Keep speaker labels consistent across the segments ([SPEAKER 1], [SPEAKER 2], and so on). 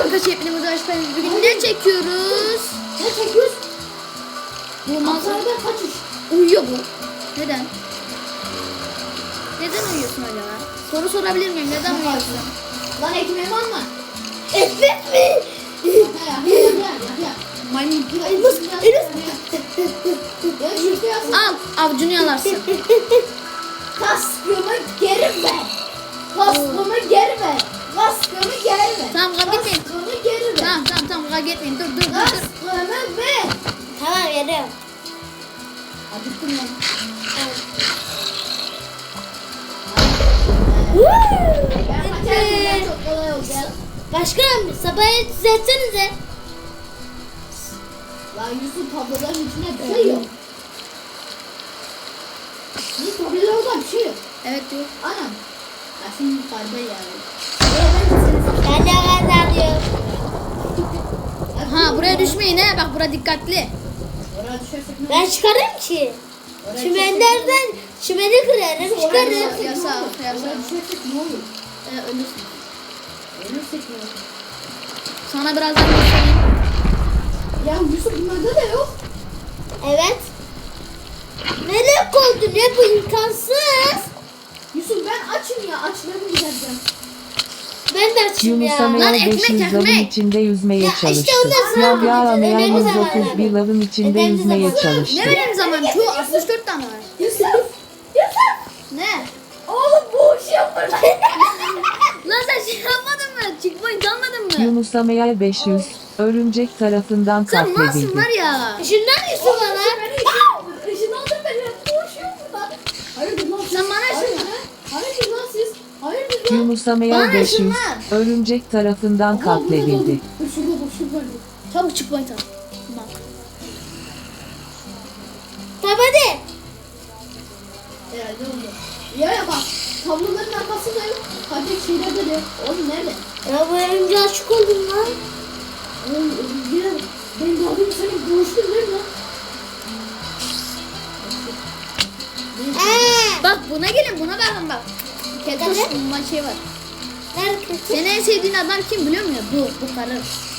[SPEAKER 1] Arkadaşlar hepinize hoş geldiniz. Bugün ne çekiyoruz?
[SPEAKER 2] Ne çekiyoruz?
[SPEAKER 1] Bu manzara
[SPEAKER 2] Manzarada kaçış.
[SPEAKER 1] uyuyor bu. Neden? Neden uyuyorsun acaba? Soru sorabilir miyim? Neden uyuyorsun?
[SPEAKER 2] Lan ekmeğimi anla.
[SPEAKER 1] Ekmek mi?
[SPEAKER 2] Ya.
[SPEAKER 1] Maymun.
[SPEAKER 2] Enes. Ya şurada yazsın.
[SPEAKER 1] Al avcunu yalarsın.
[SPEAKER 2] Kaskımı geri ver. Kaskımı geri ver. Kaskımı geri ver.
[SPEAKER 1] Tamam kavga etmeyin.
[SPEAKER 2] Kaskımı geri ver.
[SPEAKER 1] Tamam kavga etmeyin. Dur.
[SPEAKER 2] Kaskımı ver.
[SPEAKER 3] Tamam veriyorum.
[SPEAKER 2] Acıktım lan. Ben kaçarken çok kolay olacak.
[SPEAKER 3] Başkanım sabahı düzeltsenize.
[SPEAKER 2] Lan Yusuf tabloların içinde bir şey yok. Yusuf tablolarda bir şey yok.
[SPEAKER 1] Evet diyor.
[SPEAKER 2] Anam. Ya şimdi yukarıda yani.
[SPEAKER 3] Ben de kazanıyorum.
[SPEAKER 1] Ha buraya düşmeyin he. Bak bura dikkatli.
[SPEAKER 2] Oraya düşersek ne
[SPEAKER 3] Ben
[SPEAKER 2] olur?
[SPEAKER 3] çıkarım ki.
[SPEAKER 2] Oraya
[SPEAKER 3] Çimenlerden çimeni kırarım
[SPEAKER 2] düşersek-
[SPEAKER 3] çıkarım.
[SPEAKER 2] Oraya
[SPEAKER 1] Yasak.
[SPEAKER 2] Oraya düşersek ne olur?
[SPEAKER 1] Ölürsün.
[SPEAKER 2] Ölürsek ne olur?
[SPEAKER 1] Sana birazdan göstereyim.
[SPEAKER 2] Ya Yusuf bunlarda da yok.
[SPEAKER 3] Evet. Nereye koydun ya bu imkansız.
[SPEAKER 2] Yusuf ben açım ya. Açlarımı gidereceğim.
[SPEAKER 3] Ben de açayım
[SPEAKER 4] Yunus
[SPEAKER 3] ya.
[SPEAKER 1] Lan
[SPEAKER 4] Ameyer
[SPEAKER 1] ekmek,
[SPEAKER 4] 500 lavın
[SPEAKER 1] ekmek.
[SPEAKER 4] içinde yüzmeye
[SPEAKER 3] Ya işte
[SPEAKER 4] çalıştı.
[SPEAKER 3] ondan sonra
[SPEAKER 4] Yahya
[SPEAKER 3] yapacağız.
[SPEAKER 4] Ameyer
[SPEAKER 3] Önemli
[SPEAKER 4] 131
[SPEAKER 3] zamanlar.
[SPEAKER 4] lavın içinde
[SPEAKER 3] Önemli
[SPEAKER 4] yüzmeye
[SPEAKER 3] zamanlar.
[SPEAKER 4] çalıştı.
[SPEAKER 1] Ne benim zaman? Şu 64 tane var.
[SPEAKER 2] Yusuf. Yusuf.
[SPEAKER 1] Ne?
[SPEAKER 2] Oğlum boğuşuyor burada.
[SPEAKER 1] Lan sen şey yapmadın mı? Checkpoint almadın mı?
[SPEAKER 4] Yunus Ameyer 500 örümcek tarafından
[SPEAKER 1] Sen nasıl
[SPEAKER 4] katledildi.
[SPEAKER 1] var ya?
[SPEAKER 3] Şundan Yusuf bana.
[SPEAKER 2] Işınlandır beni. Boğuşuyor burada. Hayırdır lan siz?
[SPEAKER 1] Sen bana
[SPEAKER 2] Hayırdır
[SPEAKER 1] ışınlan.
[SPEAKER 2] lan? Hayırdır lan siz? Hayırdır lan?
[SPEAKER 4] Yunus Ameyer
[SPEAKER 1] Bana
[SPEAKER 4] 500
[SPEAKER 1] ışınlan.
[SPEAKER 4] örümcek tarafından
[SPEAKER 2] Aha, burada
[SPEAKER 4] katledildi.
[SPEAKER 2] buldum. Dur şurada dur şurada dur.
[SPEAKER 1] Çabuk checkpoint al. Bak.
[SPEAKER 3] Tamam hadi.
[SPEAKER 2] Herhalde oldu. Ya bak. Tabloların arkasında yok. Hadi şeylerde de yok. Oğlum nerede?
[SPEAKER 3] Ya bu örümceğe aşık oldum lan.
[SPEAKER 2] Oğlum ya. Ben daha demin senin boğuştun değil mi lan?
[SPEAKER 1] Bak buna gelin buna bakın bak. Keltoş bundan şey var.
[SPEAKER 3] Nerede kötü?
[SPEAKER 1] Senin en sevdiğin adam kim biliyor musun? Bu karı.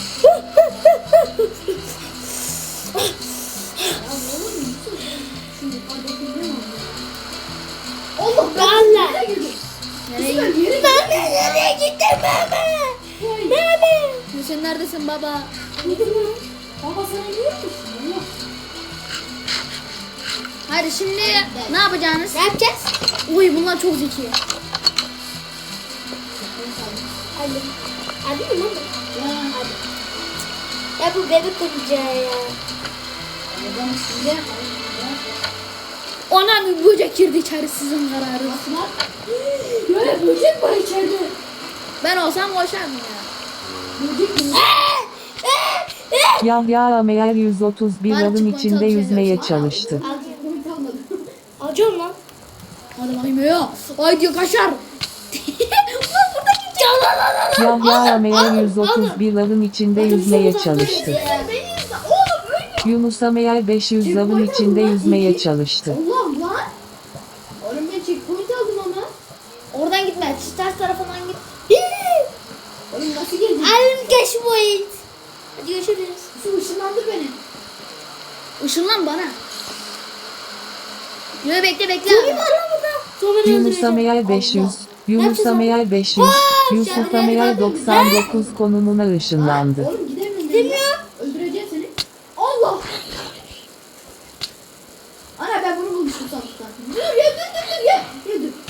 [SPEAKER 2] Ya oğlum Yusuf. Şu yukarıdaki ne var? Allah ben
[SPEAKER 3] Allah.
[SPEAKER 2] nereye girdim?
[SPEAKER 1] Nereye
[SPEAKER 2] Yusuf,
[SPEAKER 1] gidiyorsun?
[SPEAKER 2] ben yere
[SPEAKER 3] Ben de nereye gittim baba? Baba.
[SPEAKER 1] Sen neredesin baba?
[SPEAKER 2] Baba sana yiyor musun? Allah.
[SPEAKER 1] Hadi şimdi ne yapacaksınız?
[SPEAKER 3] Ne yapacağız?
[SPEAKER 1] Uy bunlar çok zeki.
[SPEAKER 3] Hadi. Hadi mi baba?
[SPEAKER 2] Ya.
[SPEAKER 3] Ya bu bebek oyuncağı ya.
[SPEAKER 2] Adam size.
[SPEAKER 1] Ona bir böcek girdi içeri sizin kararınız.
[SPEAKER 2] Aslan. Ya böcek var içeride.
[SPEAKER 1] Ben olsam koşardım ya.
[SPEAKER 2] Böcek mi?
[SPEAKER 4] Yahya Ameyer 131
[SPEAKER 1] Bari
[SPEAKER 4] lavın
[SPEAKER 1] çıkma,
[SPEAKER 4] içinde
[SPEAKER 1] çalışıyor.
[SPEAKER 4] yüzmeye çalıştı.
[SPEAKER 2] Komik kalmadı.
[SPEAKER 3] Alacağım lan.
[SPEAKER 1] Hadi bakayım ya. Ay diyor kaşar. Ulan burada kim
[SPEAKER 4] Yahya Ameyer 131 lavın içinde yüzmeye çalıştı.
[SPEAKER 2] Ya beni izle. Oğlum öyle.
[SPEAKER 4] Yunus Ameyer 500 lavın içinde yüzmeye çalıştı.
[SPEAKER 2] Allah'ım lan. Oğlum ben checkpoint aldım ama.
[SPEAKER 1] Oradan gitme. Ters tarafından git.
[SPEAKER 2] Oğlum nasıl geldin?
[SPEAKER 3] Alim geç bu oyun. Hadi görüşürüz.
[SPEAKER 2] Su ışınlandır beni.
[SPEAKER 1] Işınlan bana. Yo bekle.
[SPEAKER 3] Zombi var lan burada. Zombileri
[SPEAKER 4] Yunus
[SPEAKER 3] öldüreceğim.
[SPEAKER 4] Ameyer 500 Yunus Ameyer 500 Yusuf Ameyer 99 konumuna ışınlandı.
[SPEAKER 2] Oğlum gidemiyorum ben ya. Öldüreceğim seni. Allah. Ana ben bunu bulmuştum sandıktan. Dur ya dur ye. Ye dur.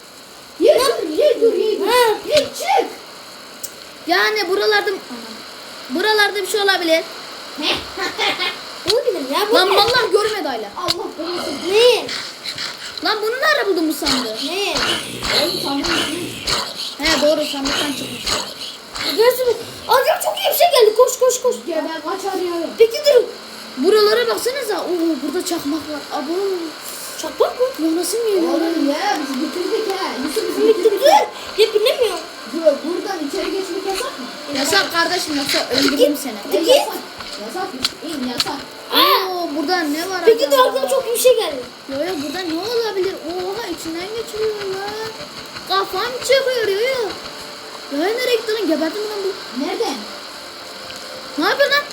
[SPEAKER 2] Ye çık.
[SPEAKER 1] Yani buralarda bir şey olabilir.
[SPEAKER 3] Olabilir ya bu
[SPEAKER 1] Lan
[SPEAKER 3] ne?
[SPEAKER 1] vallahi görmedi hala.
[SPEAKER 2] Allah korusun.
[SPEAKER 3] Ne?
[SPEAKER 1] Lan bunu nerede buldun bu sandığı?
[SPEAKER 3] Ne?
[SPEAKER 2] Oğlum sandım.
[SPEAKER 1] He doğru sandıktan çıkmış.
[SPEAKER 3] Görsün. Acaba çok iyi bir şey geldi. Koş.
[SPEAKER 2] Ya ben kaçar ya.
[SPEAKER 3] Peki durun.
[SPEAKER 1] Buralara baksanıza. Oo burada çakmak var. Abo.
[SPEAKER 3] Çakmak mı?
[SPEAKER 1] Ya nasıl geliyor?
[SPEAKER 2] Oğlum ya biz bitirdik ha. Yusuf biz
[SPEAKER 3] Bitti
[SPEAKER 2] bitirdik.
[SPEAKER 3] dur. Ya bilemiyorum.
[SPEAKER 2] Dur buradan içeri geçmek yasak mı?
[SPEAKER 1] Yasak kardeşim yoksa öldürürüm seni.
[SPEAKER 2] Yasak. Yasak. İn yasak.
[SPEAKER 1] Oo burada ne var
[SPEAKER 3] Peki dur
[SPEAKER 1] acaba?
[SPEAKER 3] aklıma çok iyi bir şey geldi.
[SPEAKER 1] Yo burada ne olabilir? Oha içinden geçiriyor ya. Kafam çıkıyor ya. Ya nereye gitti lan? Geberdim lan bu.
[SPEAKER 2] Nereden?
[SPEAKER 1] Ne yapıyorsun lan?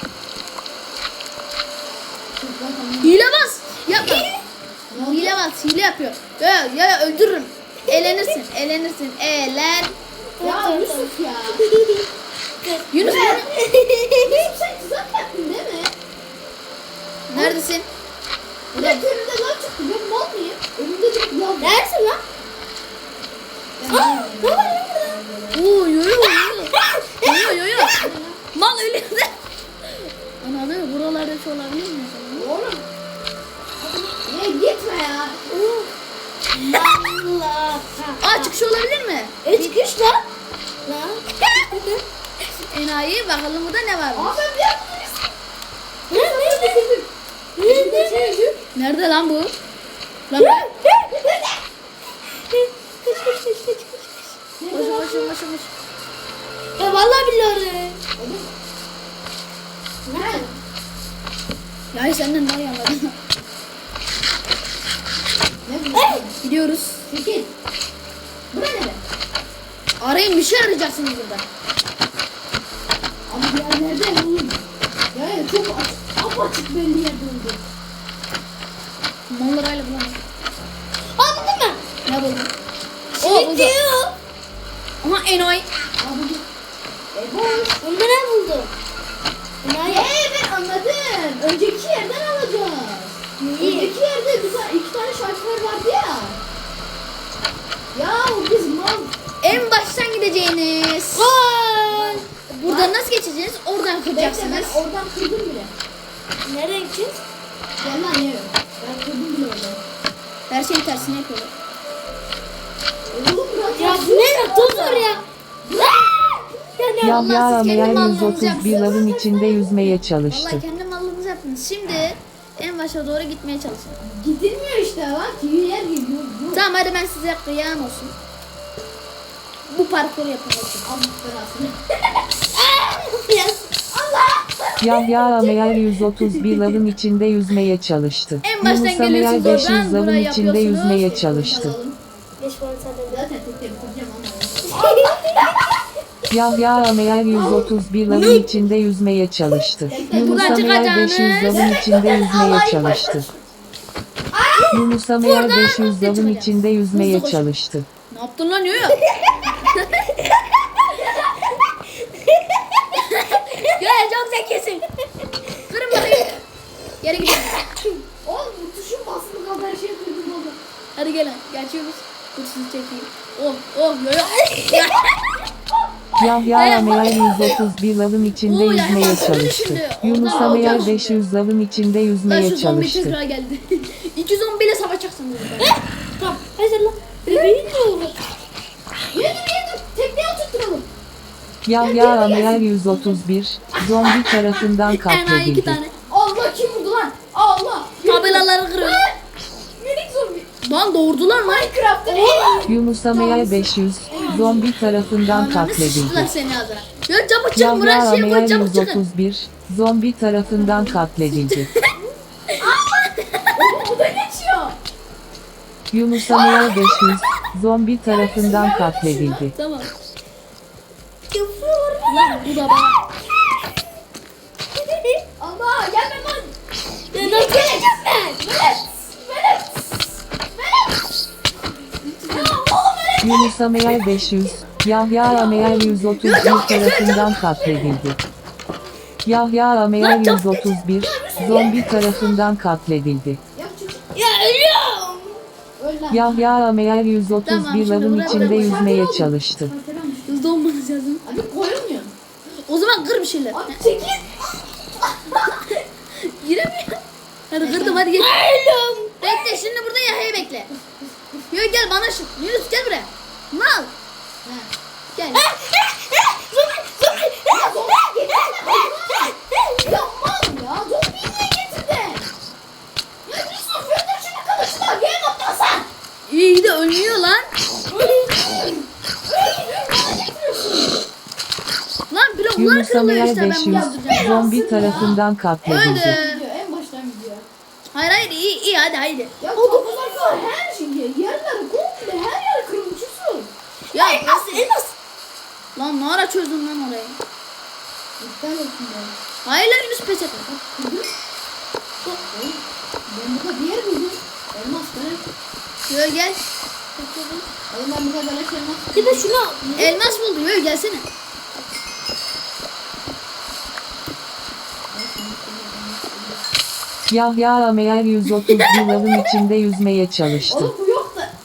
[SPEAKER 1] Hile bas. Yapma. Hile bas. Hile yapıyor. Ya öldürürüm. Elenirsin. Elenirsin.
[SPEAKER 2] Ya Yusuf ya.
[SPEAKER 1] Yunus
[SPEAKER 2] Yusuf sen tuzak yaptın değil mi?
[SPEAKER 1] neredesin?
[SPEAKER 2] Burada önümde lan çıktı. Ben mal mıyım? Önümde bir lav.
[SPEAKER 3] Neredesin lan? Ne var lan burada?
[SPEAKER 1] Oo yo. Mal ölüyor. Ananı buralarda hiç olabilir mi?
[SPEAKER 2] Oğlum. Ya gitme ya.
[SPEAKER 3] Allah.
[SPEAKER 1] Aa çıkış olabilir mi?
[SPEAKER 3] Çıkış lan. Lan.
[SPEAKER 1] Enayi bakalım burada ne var?
[SPEAKER 2] Aa ben bir yaptım.
[SPEAKER 1] Nerede lan bu? Lan koş.
[SPEAKER 3] Ya vallahi billahi.
[SPEAKER 1] Ya senden daha iyi anladım.
[SPEAKER 2] Ne bu?
[SPEAKER 1] Gidiyoruz.
[SPEAKER 2] Çekil. Bura ne?
[SPEAKER 1] Arayın bir şey arayacaksınız burada.
[SPEAKER 2] Abi bir yer nerede oğlum? Ya çok apaçık belli yerde oldu.
[SPEAKER 1] Mallarayla bulamam.
[SPEAKER 3] Anladın mı?
[SPEAKER 1] Ne buldun? O buldu.
[SPEAKER 3] Gidiyor.
[SPEAKER 1] Aha enayi.
[SPEAKER 2] Abi boş.
[SPEAKER 3] Onda ne buldu?
[SPEAKER 2] Ben anladım. Önceki yerden alacağız.
[SPEAKER 3] Neyi?
[SPEAKER 2] Önceki yerde bir tane, iki tane şarkılar vardı ya. Ya biz mal.
[SPEAKER 1] En baştan gideceğiniz.
[SPEAKER 3] Gol.
[SPEAKER 1] Buradan nasıl geçeceğiz? Oradan
[SPEAKER 2] Bekle ben
[SPEAKER 1] kıracaksınız.
[SPEAKER 2] oradan kırdım bile.
[SPEAKER 3] Nereye gideceğiz?
[SPEAKER 2] Gel lan ye. Ben kırdım bile oradan.
[SPEAKER 1] Her şeyin tersini yapıyorlar.
[SPEAKER 2] Oğlum bırak.
[SPEAKER 3] Ya bu ne? Dur ya.
[SPEAKER 1] Allah,
[SPEAKER 4] Yahya
[SPEAKER 1] siz kendi
[SPEAKER 4] Ameyer
[SPEAKER 1] mallarınızı
[SPEAKER 4] 131
[SPEAKER 1] yapsınız.
[SPEAKER 4] lavın içinde yüzmeye çalıştı.
[SPEAKER 1] Vallahi kendi mallarınızı yaptınız. Şimdi en başa doğru gitmeye çalışın.
[SPEAKER 2] Gidilmiyor işte bak. Yer gidiyor.
[SPEAKER 1] Tamam hadi ben size kıyam olsun. Bu parkuru yapın bakayım.
[SPEAKER 2] Allah belasını.
[SPEAKER 4] Yahya Ameyer 131 lavın içinde yüzmeye çalıştı.
[SPEAKER 1] En baştan
[SPEAKER 4] Yunus Ameyer
[SPEAKER 1] geliyorsunuz
[SPEAKER 4] 500
[SPEAKER 1] oradan,
[SPEAKER 4] lavın
[SPEAKER 1] burayı
[SPEAKER 4] içinde
[SPEAKER 1] yapıyorsunuz.
[SPEAKER 4] yüzmeye çalıştı.
[SPEAKER 2] Alalım.
[SPEAKER 3] Geç bana sen de.
[SPEAKER 2] Zaten tek tek bitireceğim ama.
[SPEAKER 4] Yahya Ameyer 131 lavın içinde yüzmeye çalıştı. Yunus
[SPEAKER 1] Buradan
[SPEAKER 4] Ameyer
[SPEAKER 1] çıkacağınız.
[SPEAKER 4] 500 lavın içinde yüzmeye çalıştı. Yunus Ameyer
[SPEAKER 1] Buradan
[SPEAKER 4] 500 lavın
[SPEAKER 1] çıkacağız.
[SPEAKER 4] içinde yüzmeye
[SPEAKER 1] Hızlı koşun.
[SPEAKER 4] çalıştı.
[SPEAKER 1] Ne yaptın lan Yoyo? Yoyo çok zekisin. Kırın bakayım. Geri gidelim.
[SPEAKER 2] Oğlum bu tuşun basılı kaldı her şeyi kırdım oldu.
[SPEAKER 1] Hadi gelin. Geçiyoruz. Dur sizi çekeyim. Oh Yoyo.
[SPEAKER 4] Yahya Ameyer 131 lavın içinde
[SPEAKER 1] Oo,
[SPEAKER 4] yüzmeye
[SPEAKER 1] Yahya
[SPEAKER 4] çalıştı.
[SPEAKER 1] şimdi.
[SPEAKER 4] Yunus
[SPEAKER 1] Oradan
[SPEAKER 4] Ameyer
[SPEAKER 1] alacağım
[SPEAKER 4] 500 lavın içinde
[SPEAKER 1] Lan
[SPEAKER 4] yüzmeye
[SPEAKER 1] şu zombi
[SPEAKER 4] çalıştı.
[SPEAKER 1] tekrar geldi. 211 ile savaşacaksınız burada.
[SPEAKER 3] Tamam. Hazır lan. Bebeğin ne olur?
[SPEAKER 2] Yedim. Tekneye oturtturalım.
[SPEAKER 4] Yahya Ameyer 131 zombi tarafından
[SPEAKER 1] Enayi 2
[SPEAKER 4] katledildi.
[SPEAKER 1] tane.
[SPEAKER 2] Allah kim vurdu lan? Allah.
[SPEAKER 1] Tabelaları kırıyor.
[SPEAKER 2] Minik zombi.
[SPEAKER 1] Lan doğurdular lan.
[SPEAKER 2] Minecraft'ın en
[SPEAKER 4] Yunus Ameyer 500 zombi tarafından
[SPEAKER 1] Ananı
[SPEAKER 4] katledildi.
[SPEAKER 1] sıçtılar seni ağzına. Ya çabuk çıkın
[SPEAKER 4] Yahya
[SPEAKER 1] buraya şey
[SPEAKER 4] Ameyer
[SPEAKER 1] koy çabuk çıkın.
[SPEAKER 4] 131 zombi tarafından katledildi.
[SPEAKER 2] bu da geçiyor.
[SPEAKER 4] Yunus Ameyer 500 zombi tarafından katledildi.
[SPEAKER 1] Tamam. Lan bu da bana.
[SPEAKER 2] Allah gelme lan.
[SPEAKER 3] Ya nasıl geleceğim ben?
[SPEAKER 4] Yunus Ameyer 500 Yahya Ameyer 131 tarafından katledildi. Yahya Ameyer 131 zombi tarafından katledildi.
[SPEAKER 2] Yap çocuk.
[SPEAKER 3] Ya ölüyorum.
[SPEAKER 2] Öl lan.
[SPEAKER 4] Yahya Ameyer
[SPEAKER 1] Tamam,
[SPEAKER 4] 131
[SPEAKER 1] şimdi
[SPEAKER 4] lavın
[SPEAKER 1] buraya
[SPEAKER 4] içinde
[SPEAKER 1] bırak.
[SPEAKER 4] yüzmeye çalıştı.
[SPEAKER 1] Hızlı olmanız lazım.
[SPEAKER 2] Abi koyulmuyor.
[SPEAKER 1] O zaman kır bir şeyler.
[SPEAKER 2] Abi çekil.
[SPEAKER 1] Giremiyor. Hadi kırdım hadi geç.
[SPEAKER 3] Ölüyorum.
[SPEAKER 1] Bekle şimdi burada Yahya'yı bekle. Yürü gel bana şu. Yunus gel buraya. Mal. Gel.
[SPEAKER 2] Ya zombi getirdin. Ya mal ya. Zombiyi niye getirdin? Ya Yusuf gönder şunu kılıçla. Game atlasan.
[SPEAKER 1] İyi de ölmüyor lan. Lan bloklar
[SPEAKER 4] Yunus
[SPEAKER 1] kırılıyor
[SPEAKER 4] Ameyer
[SPEAKER 1] işte ben
[SPEAKER 4] 500
[SPEAKER 1] bunu öldüreceğim.
[SPEAKER 4] zombi tarafından katledildi.
[SPEAKER 1] Öldü.
[SPEAKER 2] Gidiyor en baştan gidiyor.
[SPEAKER 1] Hayır iyi hadi haydi.
[SPEAKER 2] Ya kapılar var her şey. Yerler komple her yer kırılmış Yusuf.
[SPEAKER 1] Ya elmas. Lan ne ara çözdün lan orayı?
[SPEAKER 2] İptal olsun be.
[SPEAKER 1] Hayır lan Yunus pes etme.
[SPEAKER 2] Kırdım. Ben burada bir yer buldum. Elmas böyle.
[SPEAKER 1] Yo gel.
[SPEAKER 2] Oğlum ben burada böyle şey elmas.
[SPEAKER 3] Bir de şunu al.
[SPEAKER 1] Elmas buldu. Yo gelsene.
[SPEAKER 4] Yahya Ameyer 130 lavın içinde yüzmeye çalıştı.
[SPEAKER 2] Oğlum bu yok da.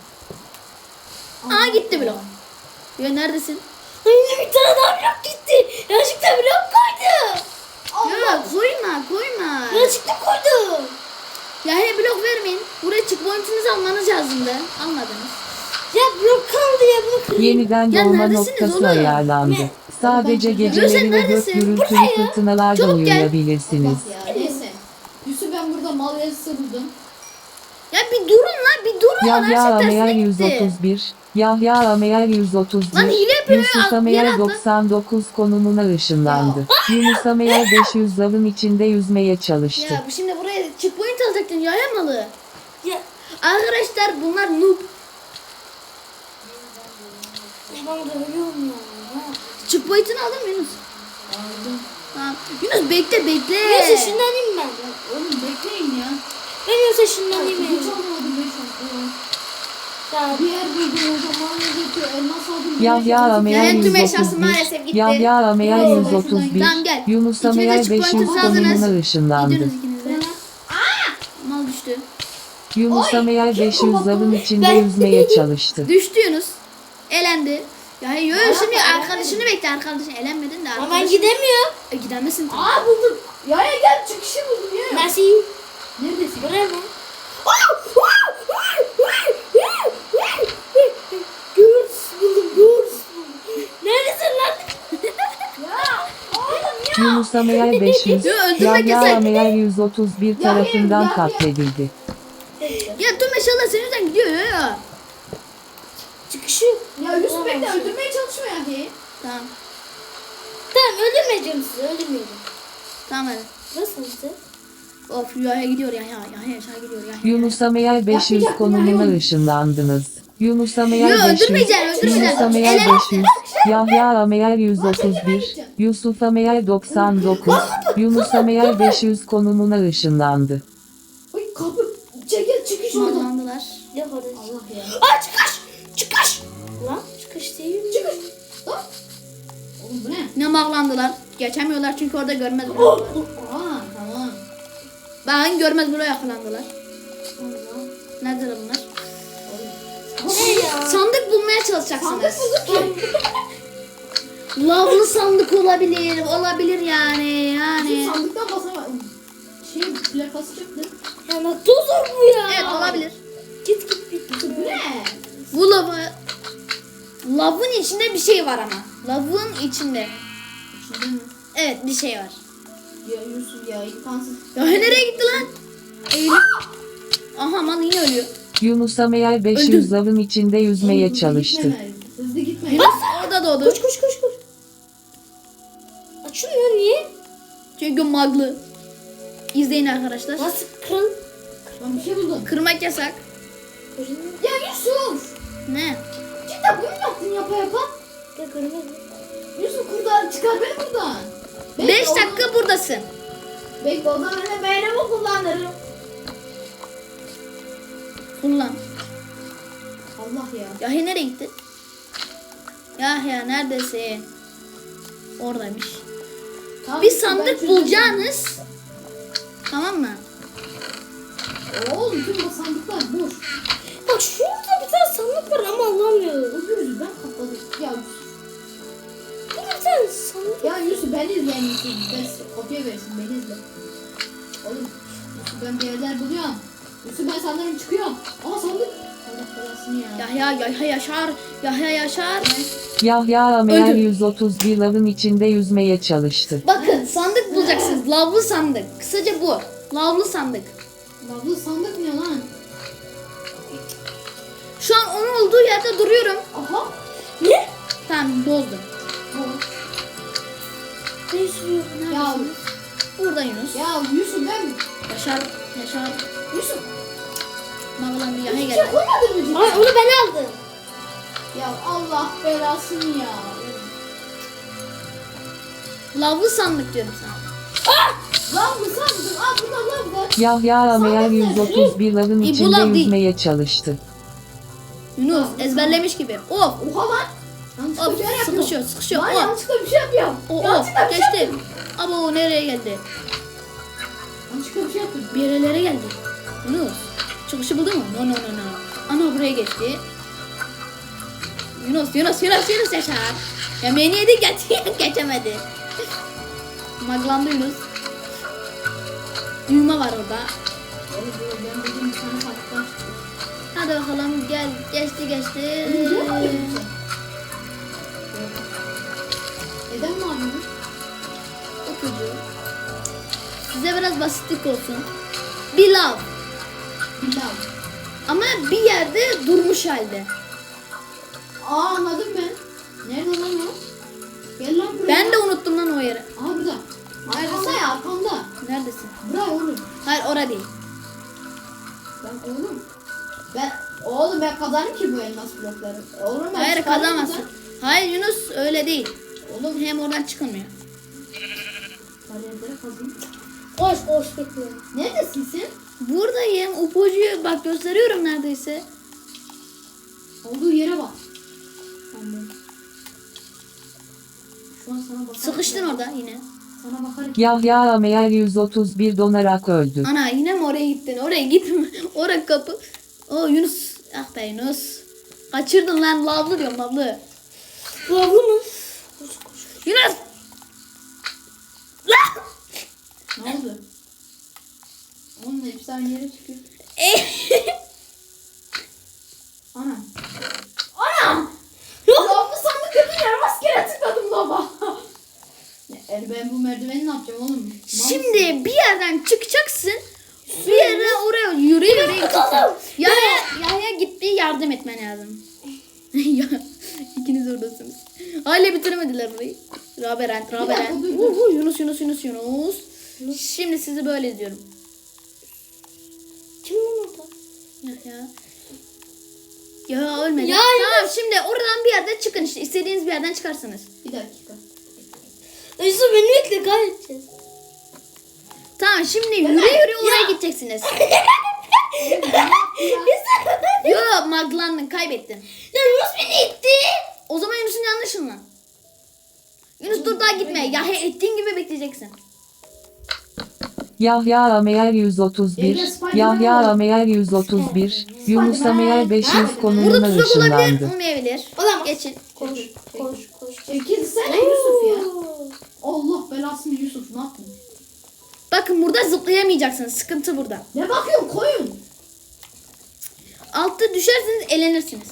[SPEAKER 1] Aa gitti blok. Yo neredesin?
[SPEAKER 3] Ay bir tane daha blok gitti. Yanlışlıkla blok koydu.
[SPEAKER 1] Yo koyma.
[SPEAKER 3] Yanlışlıkla koydu.
[SPEAKER 1] Ya he blok vermeyin. Buraya checkpoint'inizi almanız lazımdı. Almadınız.
[SPEAKER 3] Ya blok kaldı ya bunu kırayım.
[SPEAKER 4] Yeniden
[SPEAKER 1] Ya
[SPEAKER 4] doğma
[SPEAKER 1] neredesiniz
[SPEAKER 4] noktası
[SPEAKER 1] oğlum?
[SPEAKER 4] ayarlandı.
[SPEAKER 3] Ne?
[SPEAKER 4] Sadece
[SPEAKER 1] Sen
[SPEAKER 4] geceleri ve gök
[SPEAKER 1] neredesin?
[SPEAKER 4] gürültülü fırtınalarda
[SPEAKER 1] Çabuk gel.
[SPEAKER 4] uyuyabilirsiniz.
[SPEAKER 2] Bak ya neyse. Yusuf ben burada mal yarısı buldum.
[SPEAKER 1] Ya bir durun lan bir durun.
[SPEAKER 4] Yahya
[SPEAKER 1] Her şey
[SPEAKER 4] Ameyer
[SPEAKER 1] tersine gitti.
[SPEAKER 4] 131, Yahya Ameyer 131,
[SPEAKER 1] Lan hile yapıyor
[SPEAKER 4] Yusuf
[SPEAKER 1] ya, yere
[SPEAKER 4] Ameyer
[SPEAKER 1] atla.
[SPEAKER 4] 99 konumuna ışınlandı. Yunus Ameyer 500 lavın içinde yüzmeye çalıştı.
[SPEAKER 1] Ya bu şimdi buraya checkpoint alacaktın ya malı.
[SPEAKER 3] Ya
[SPEAKER 1] Arkadaşlar bunlar noob.
[SPEAKER 3] ben de ölüyorum ya.
[SPEAKER 1] Checkpoint'ini aldın mı Yunus?
[SPEAKER 2] Aldım.
[SPEAKER 1] Tamam. Yunus bekle.
[SPEAKER 3] Neyse ışınlanayım ben.
[SPEAKER 2] Oğlum bekleyin ya.
[SPEAKER 3] Ben yoksa ışınlanayım
[SPEAKER 2] Hiç
[SPEAKER 3] ya.
[SPEAKER 2] almadım ben şu an.
[SPEAKER 3] Ya
[SPEAKER 2] Bir yer buldum o zaman yazıyor. Elmas aldım.
[SPEAKER 4] Yahya Ameyer
[SPEAKER 1] Yani tüm eşyası
[SPEAKER 4] 131,
[SPEAKER 1] maalesef gitti.
[SPEAKER 4] Yahya Ameyer
[SPEAKER 2] Yo,
[SPEAKER 4] 131,
[SPEAKER 1] Tamam, gel.
[SPEAKER 4] Yunus
[SPEAKER 1] İkiniz de
[SPEAKER 4] Ameyer
[SPEAKER 1] checkpoint'inizi
[SPEAKER 4] 500
[SPEAKER 1] aldınız.
[SPEAKER 4] konumuna ışınlandı.
[SPEAKER 1] Gidiyoruz ikiniz de. Mal düştü.
[SPEAKER 4] Yunus Ameyer
[SPEAKER 2] kim
[SPEAKER 4] 500
[SPEAKER 2] kapattı
[SPEAKER 4] lavın
[SPEAKER 2] bunu?
[SPEAKER 4] içinde
[SPEAKER 3] Ben-
[SPEAKER 4] yüzmeye çalıştı.
[SPEAKER 1] Düştü Yunus. Elendi. Ya yo şimdi
[SPEAKER 2] elenmedi.
[SPEAKER 1] arkadaşını bekle arkadaşın elenmedin de
[SPEAKER 3] ama
[SPEAKER 1] arkadaşın.
[SPEAKER 3] ben gidemiyorum.
[SPEAKER 1] Gidemezsin tabii.
[SPEAKER 2] Aa buldum. Ya gel çıkışı buldum ya.
[SPEAKER 3] Nasıl?
[SPEAKER 2] Neredesin?
[SPEAKER 3] Buraya mı? Görs buldum. Neredesin lan?
[SPEAKER 2] Ya oğlum ya.
[SPEAKER 4] Yunus Ameyer 500,
[SPEAKER 1] Yo, öldürmek
[SPEAKER 4] Yahya
[SPEAKER 1] yasak.
[SPEAKER 4] Ameyer 131 tarafından
[SPEAKER 2] ya.
[SPEAKER 4] katledildi.
[SPEAKER 1] Ya tüm eşyalar senin yüzünden gidiyor ya.
[SPEAKER 3] Çıkışı.
[SPEAKER 2] Ya Yusuf bekle öldürmeye çalışma ya ki.
[SPEAKER 1] Tamam.
[SPEAKER 3] Tamam öldürmeyeceğim sizi öldürmeyeceğim.
[SPEAKER 1] Tamam hadi.
[SPEAKER 3] Nasıl işte?
[SPEAKER 1] Of Yahya gidiyor ya aşağı gidiyor ya.
[SPEAKER 4] Yunus Ameyer 500 konumuna ışınlandınız. Yunus Ameyer
[SPEAKER 1] Yo,
[SPEAKER 4] 500,
[SPEAKER 1] öldürmeyeceksin.
[SPEAKER 4] Yunus Ameyer 500, Yahya Ameyer 131, Yusuf Ameyer 99, Yunus Ameyer 500 konumuna ışınlandı.
[SPEAKER 2] Ay kapı. Çekil çıkış oradan.
[SPEAKER 1] Mallandılar.
[SPEAKER 3] Ne kadar?
[SPEAKER 2] Allah ya.
[SPEAKER 3] Aa çıkış! Çıkış! Lan çıkış değil mi?
[SPEAKER 2] Çıkış. Lan. Oğlum bu ne?
[SPEAKER 1] Ne mallandılar. Geçemiyorlar çünkü orada görmez
[SPEAKER 2] Oh,
[SPEAKER 1] buluyorlar.
[SPEAKER 2] Aa tamam.
[SPEAKER 1] Bakın görmez buluyor yakalandılar.
[SPEAKER 2] Allah.
[SPEAKER 1] Neredeler bunlar?
[SPEAKER 3] Ne ya?
[SPEAKER 1] Sandık bulmaya
[SPEAKER 2] Sandık
[SPEAKER 1] çalışacaksınız.
[SPEAKER 2] bulduk ki.
[SPEAKER 1] Lavlı sandık olabilir. Olabilir yani.
[SPEAKER 2] Bizim
[SPEAKER 1] Yani.
[SPEAKER 2] sandıktan basamadım. Şey plakası çıktı.
[SPEAKER 3] Ya nasıl zor bu ya?
[SPEAKER 1] Evet olabilir.
[SPEAKER 3] Git git git.
[SPEAKER 2] Bu ne?
[SPEAKER 1] Bu lavı. Lavın içinde bir şey var ama. Lavın içinde.
[SPEAKER 2] İçinde mi?
[SPEAKER 1] Evet bir şey var.
[SPEAKER 2] Ya Yusuf ya imkansız.
[SPEAKER 1] Ya nereye gitti lan? Eylül. Aha mal yine ölüyor.
[SPEAKER 4] Yunus Ameyer 500 lavın içinde yüzmeye
[SPEAKER 2] Hızlı
[SPEAKER 4] çalıştı.
[SPEAKER 2] gitme. Hızlı gitme.
[SPEAKER 1] Yunus orada doğdu.
[SPEAKER 3] Koş koş koş koş. Açılmıyor niye?
[SPEAKER 1] Çünkü maglı. İzleyin arkadaşlar.
[SPEAKER 3] Nasıl kırıl?
[SPEAKER 2] Ben bir şey buldum.
[SPEAKER 1] Kırmak yasak.
[SPEAKER 3] Kırılmıyor.
[SPEAKER 2] Ya Yusuf.
[SPEAKER 1] Ne?
[SPEAKER 2] Cidden bunu mu yaptın yapa yapa?
[SPEAKER 3] Ya kırılmıyor.
[SPEAKER 2] Yusuf kurdan çıkar beni buradan.
[SPEAKER 1] 5 dakika buradasın.
[SPEAKER 2] Bekle o zaman ben de beynimi kullanırım.
[SPEAKER 1] Kullan.
[SPEAKER 2] Allah ya.
[SPEAKER 1] Yahya nereye gitti? Yahya neredesin? Oradaymış.
[SPEAKER 2] Tamam,
[SPEAKER 1] Bir
[SPEAKER 2] ben
[SPEAKER 1] sandık
[SPEAKER 2] çözeceğim.
[SPEAKER 1] bulacaksınız. Tamam mı?
[SPEAKER 2] Oğlum tüm bu sandıklar boş.
[SPEAKER 3] Bak şurada bir tane sandık var ama alamıyorum.
[SPEAKER 2] Özür yüzünden kapadı. Ya Yusuf.
[SPEAKER 3] Burada bir tane sandık.
[SPEAKER 2] Ya Yusuf beni izle yani Yusuf. Ben kopya versin beni izle. Oğlum Yusuf ben bir yerler buluyorum. Yusuf ben sanırım çıkıyorum. Ama sandık. Allah belasını ya.
[SPEAKER 1] Yahya yaşar. Yahya yaşar.
[SPEAKER 4] Yahya Ameyer
[SPEAKER 1] Öldü.
[SPEAKER 4] 131 lavın içinde yüzmeye çalıştı.
[SPEAKER 1] Bakın sandık bulacaksınız. Lavlı sandık. Kısaca bu. Lavlı sandık.
[SPEAKER 2] Lavlı sandık ne lan?
[SPEAKER 1] Şu an onun olduğu yerde duruyorum.
[SPEAKER 2] Aha.
[SPEAKER 3] Ne?
[SPEAKER 1] Tamam bozdum.
[SPEAKER 3] Ne sürüyor?
[SPEAKER 2] Ya,
[SPEAKER 1] Burada Yunus.
[SPEAKER 2] ya Yusuf ben...
[SPEAKER 1] Yaşar. Yaşar.
[SPEAKER 2] Yusuf.
[SPEAKER 1] Mağlandı Yahya
[SPEAKER 2] Hiç şey
[SPEAKER 1] geldi.
[SPEAKER 2] koymadın mı cidden?
[SPEAKER 3] Ay onu ben aldım.
[SPEAKER 2] Ya Allah belasını ya.
[SPEAKER 1] Lavlı sandık diyorum sana.
[SPEAKER 2] Lav mı sandın? Aa burada lav var.
[SPEAKER 4] Yahya Ameyer 131 lavın
[SPEAKER 1] bu
[SPEAKER 4] içinde
[SPEAKER 1] lav değil.
[SPEAKER 4] yüzmeye çalıştı.
[SPEAKER 1] Yunus ezberlemiş gibi. Of.
[SPEAKER 2] Oha lan. Yanlışlıkla
[SPEAKER 1] Of
[SPEAKER 2] bir şey yapıyorum.
[SPEAKER 1] sıkışıyor sıkışıyor.
[SPEAKER 2] Lan
[SPEAKER 1] Of.
[SPEAKER 2] yanlışlıkla bir şey yapıyorum.
[SPEAKER 1] Of
[SPEAKER 2] Yanlışlıkla bir şey
[SPEAKER 1] geçti.
[SPEAKER 2] yapıyorum.
[SPEAKER 1] Abo nereye geldi?
[SPEAKER 2] Yanlışlıkla bir şey yapıyorum.
[SPEAKER 1] Bir yerlere geldi. Yunus. Çıkışı buldun mu? No. Ana buraya geçti. Yunus yaşar. Yemeğini yedi geçemedi. Maglandı Yunus. Düğme var orada.
[SPEAKER 2] Oğlum ben dedim bir tane sandıktan çıktı.
[SPEAKER 1] Hadi bakalım gel geçti.
[SPEAKER 2] Neden mi abi?
[SPEAKER 1] Okucu. Size biraz basitlik olsun. Bir lav.
[SPEAKER 2] Bir lav.
[SPEAKER 1] Ama bir yerde durmuş halde.
[SPEAKER 2] Aa anladım ben. Nerede lan o? Gel lan buraya.
[SPEAKER 1] Ben de unuttum lan o yeri.
[SPEAKER 2] Aha burada. Arkanda ya arkanda.
[SPEAKER 1] Neredesin?
[SPEAKER 2] Buraya oğlum.
[SPEAKER 1] Hayır ora değil.
[SPEAKER 2] Ben oğlum. Ben kazanırım ki bu elmas blokları. Oğlum ben
[SPEAKER 1] Hayır
[SPEAKER 2] çıkarım
[SPEAKER 1] kazamazsın.
[SPEAKER 2] buradan.
[SPEAKER 1] Hayır Yunus öyle değil. Oğlum hem oradan çıkılmıyor.
[SPEAKER 2] Bariyerlere kazayım.
[SPEAKER 3] Koş bekliyorum.
[SPEAKER 2] Neredesin sen?
[SPEAKER 1] Buradayım. Ipucuyu bak gösteriyorum neredeyse.
[SPEAKER 2] Olduğu yere bak. Ben de. Şu an sana bakarım.
[SPEAKER 1] Sıkıştın orada yine.
[SPEAKER 2] Sana bakarım.
[SPEAKER 4] Yahya Ameyer 131 donarak öldü.
[SPEAKER 1] Ana yine mi oraya gittin? Oraya gitme. Oraya kapı. O Yunus. Ah be Yunus. Kaçırdın lan lavlı diyorum lavlı.
[SPEAKER 3] Lavlı mı?
[SPEAKER 1] Yunus. Lan.
[SPEAKER 2] Ne oldu? Onun hepsi aynı yere çıkıyor. Ana. Ana! Lavlı sandık kötü yer rastgele tıkladım baba. Ben bu merdiveni ne yapacağım oğlum?
[SPEAKER 1] Şimdi bir yerden çıkacaksın. Bir yere oraya yürü gideceksin. Yahya gitti yardım etmen lazım. Ya, İkiniz oradasınız. Hala bitiremediler burayı. Raberen.
[SPEAKER 2] dakika, dur.
[SPEAKER 1] Yunus. Şimdi sizi böyle izliyorum.
[SPEAKER 3] Kim lan orada?
[SPEAKER 1] Ya ölmedi.
[SPEAKER 3] Ya,
[SPEAKER 1] Tamam şimdi oradan bir yerde çıkın işte. İstediğiniz bir yerden çıkarsınız.
[SPEAKER 2] Bir dakika.
[SPEAKER 3] Yusuf beni bekle kaybedeceğiz.
[SPEAKER 1] Tamam şimdi yürü oraya gideceksiniz. Yo maglandın kaybettin.
[SPEAKER 3] Ya Yunus beni itti.
[SPEAKER 1] O zaman Yunus'un yanlışın. Yunus dur daha gitme. Ya ettiğin gibi bekleyeceksin.
[SPEAKER 4] Yahya Ameyer 131, Yahya Ameyer 131, Yunus Ameyer 500
[SPEAKER 1] Burada
[SPEAKER 4] konumuna
[SPEAKER 1] tuzak olabilir,
[SPEAKER 4] ışınlandı.
[SPEAKER 1] olmayabilir.
[SPEAKER 3] Olamaz.
[SPEAKER 1] Geçin.
[SPEAKER 3] Koş.
[SPEAKER 2] Çekilsene Yusuf ya. Allah belasını Yusuf ne yaptın?
[SPEAKER 1] Bakın burada zıplayamayacaksınız. Sıkıntı burada.
[SPEAKER 2] Ne bakıyorsun koyun?
[SPEAKER 1] Altta düşerseniz elenirsiniz.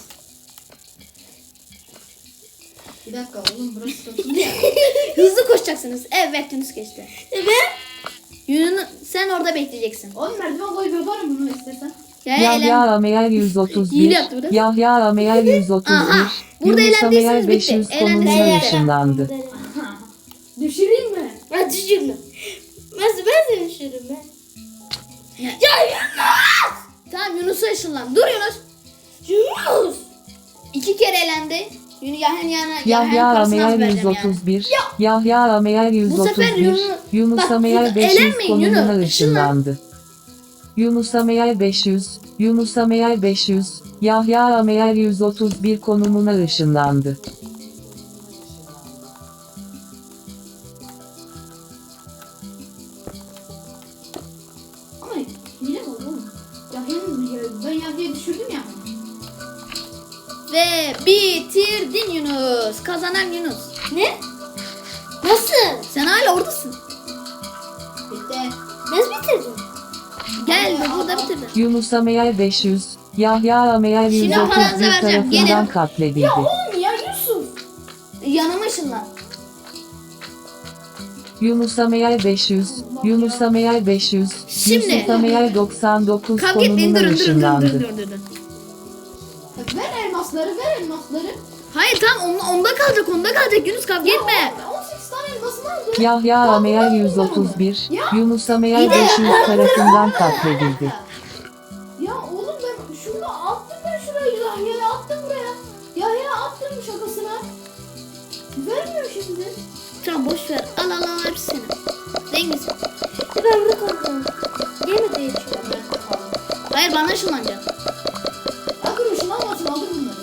[SPEAKER 2] Bir dakika oğlum burası sıkıntılı ya.
[SPEAKER 1] Hızlı koşacaksınız. Evet Yunus geçti.
[SPEAKER 3] Evet.
[SPEAKER 1] Yunus sen orada bekleyeceksin.
[SPEAKER 2] Oğlum merdiven koyup yaparım bunu istersen.
[SPEAKER 1] Yahya
[SPEAKER 4] Yahya
[SPEAKER 1] elen.
[SPEAKER 4] Ameyer
[SPEAKER 1] İyi
[SPEAKER 4] 131,
[SPEAKER 1] yaptı biraz.
[SPEAKER 4] Yahya Ameyer 131,
[SPEAKER 1] Aha, burada
[SPEAKER 4] Yunus Ameyer
[SPEAKER 1] eğlendiyseniz bitti.
[SPEAKER 4] 500
[SPEAKER 1] Eğlendiyseniz
[SPEAKER 4] konumuna
[SPEAKER 1] bitti.
[SPEAKER 4] ışınlandı.
[SPEAKER 2] Düşüreyim mi?
[SPEAKER 3] Ya düşürme. Ben seni düşürürüm ben.
[SPEAKER 1] Ya,
[SPEAKER 3] Yunus.
[SPEAKER 1] tamam Yunus'a ışınlan. Dur Yunus.
[SPEAKER 3] Yunus.
[SPEAKER 1] 2 kere elendi. Yahya'nın
[SPEAKER 4] Yahya
[SPEAKER 1] parasını az
[SPEAKER 4] Ameyer
[SPEAKER 1] vereceğim yani.
[SPEAKER 4] 131, Yahya Ameyer
[SPEAKER 1] sefer
[SPEAKER 4] 131, Yunus
[SPEAKER 1] Bak,
[SPEAKER 4] Ameyer
[SPEAKER 1] burada
[SPEAKER 4] 500
[SPEAKER 1] elenmeyin
[SPEAKER 4] konumuna
[SPEAKER 1] Yunus,
[SPEAKER 4] ışınlandı. Yunus Ameyer 500, Yunus Ameyer 500, Yahya Ameyer 131 konumuna ışınlandı.
[SPEAKER 2] Ama hile mi oldu oğlum? Ben Yahya'yı düşürdüm ya.
[SPEAKER 1] Ve bitirdin Yunus. Kazanan Yunus.
[SPEAKER 3] Ne? Nasıl?
[SPEAKER 1] Sen hala oradasın.
[SPEAKER 2] Bitti.
[SPEAKER 3] Nasıl bitirdin?
[SPEAKER 1] Gel burada bitirdin.
[SPEAKER 4] Yunus Ameyer 500, Yahya Ameyer
[SPEAKER 1] Şimdi paranızı
[SPEAKER 4] 131
[SPEAKER 1] vereceğim, gelin.
[SPEAKER 4] tarafından katledildi.
[SPEAKER 2] Oğlum ya Yusuf.
[SPEAKER 1] Yanıma ışınlan.
[SPEAKER 4] Yunus Ameyer 500, Yunus Ameyer 500,
[SPEAKER 1] Şimdi-
[SPEAKER 4] Yusuf Ameyer 99
[SPEAKER 1] Kavga etmeyin
[SPEAKER 4] konumuna
[SPEAKER 1] durun.
[SPEAKER 4] ışınlandı.
[SPEAKER 2] Ver elmasları.
[SPEAKER 1] Hayır tamam onda kalacak Yunus kavga etme.
[SPEAKER 2] Ben 18 tane elmasını aldım.
[SPEAKER 4] Yahya Ameyer 131, Yunus Ameyer 500 tarafından katledildi.
[SPEAKER 2] Ya oğlum ben şurada attım şurayı Yahya'ya attım buraya. Yahya'ya attım şakasına. Vermiyor şimdi.
[SPEAKER 1] Tamam boş ver. Al bana ışınlanacak.
[SPEAKER 2] Ya dur ışınlanmasın aldır bunları.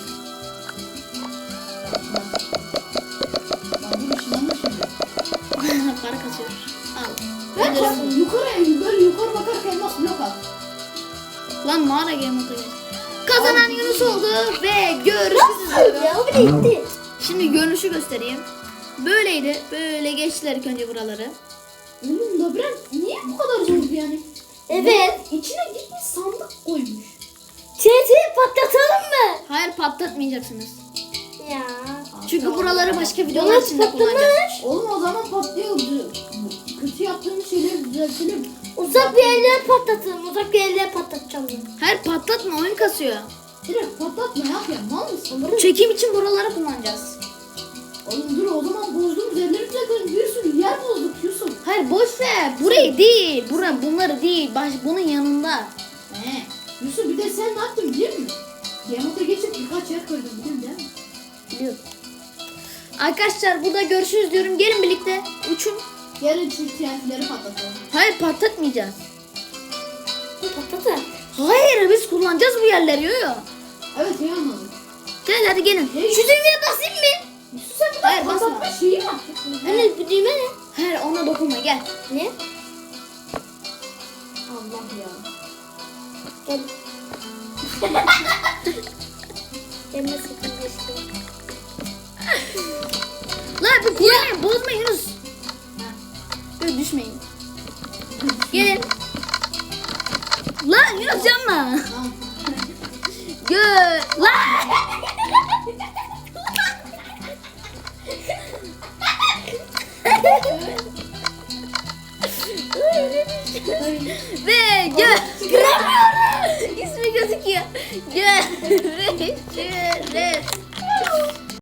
[SPEAKER 2] Lan dur ışınlanma şimdi.
[SPEAKER 1] Para kasıyor. Al.
[SPEAKER 2] Ben
[SPEAKER 1] Öldürün.
[SPEAKER 2] yukarı böyle yukarı bakarken elmas blok at.
[SPEAKER 1] Lan mağara game moda geç. Kazanan Yunus oldu ve görüşürüz.
[SPEAKER 3] Ya o bile gitti.
[SPEAKER 1] Şimdi görünüşü göstereyim. Böyleydi. Böyle geçtiler ilk önce buraları.
[SPEAKER 2] Oğlum labirent niye bu kadar zordu yani?
[SPEAKER 3] Evet.
[SPEAKER 2] İçine gitmiş sandık koymuş.
[SPEAKER 3] TNT'yi patlatalım mı?
[SPEAKER 1] Hayır patlatmayacaksınız.
[SPEAKER 3] Ya.
[SPEAKER 1] Çünkü buraları başka videolar
[SPEAKER 3] Yunus
[SPEAKER 1] içinde kullanacağız.
[SPEAKER 3] patlamış.
[SPEAKER 2] Oğlum o zaman patlıyor. Kötü yaptığımız şeyleri düzeltelim.
[SPEAKER 3] Uzak bir yerlere patlatalım. Uzak bir yerlere patlatacağım ben.
[SPEAKER 1] Hayır patlatma, oyun kasıyor.
[SPEAKER 2] Direkt patlatma yap ya mal mısın?
[SPEAKER 1] Çekim için buraları kullanacağız.
[SPEAKER 2] Oğlum dur o zaman bozduğumuz yerleri düzeltelim. Bir sürü yer bozduk Yusuf.
[SPEAKER 1] Hayır boş ver. Burayı değil. Bunları değil. Bunun yanında.
[SPEAKER 2] He. Yusuf bir de sen ne yaptın biliyor musun? Gemota geçip birkaç yer koydun biliyorsun değil mi?
[SPEAKER 1] Biliyorum. Arkadaşlar burada görüşürüz diyorum. Gelin birlikte. Uçun.
[SPEAKER 2] Yarın şu TNT'leri patlatalım.
[SPEAKER 1] Hayır patlatmayacağız.
[SPEAKER 3] Patlatın.
[SPEAKER 1] Hayır biz kullanacağız bu yerleri. Yo yo.
[SPEAKER 2] Evet iyi anladım.
[SPEAKER 1] Gel hadi gelin.
[SPEAKER 3] Şu düğmeye basayım mı?
[SPEAKER 2] Yusuf sen
[SPEAKER 1] Hayır,
[SPEAKER 2] bir
[SPEAKER 1] basma.
[SPEAKER 2] patlatma şeyi mi yaptın?
[SPEAKER 3] Anne bu düğme ne?
[SPEAKER 1] Hayır ona dokunma gel.
[SPEAKER 3] Ne?
[SPEAKER 2] Allah ya.
[SPEAKER 3] Gel. Gelme sakın geçti.
[SPEAKER 1] Lan bir kullanmayın. Bozma Yunus. Böyle düşmeyin. Gelin. Lan Yunus yanma.
[SPEAKER 2] Tamam.
[SPEAKER 1] Gel. Lan. Ve gel. Kıramıyorum. İsmi gözüküyor. Gel.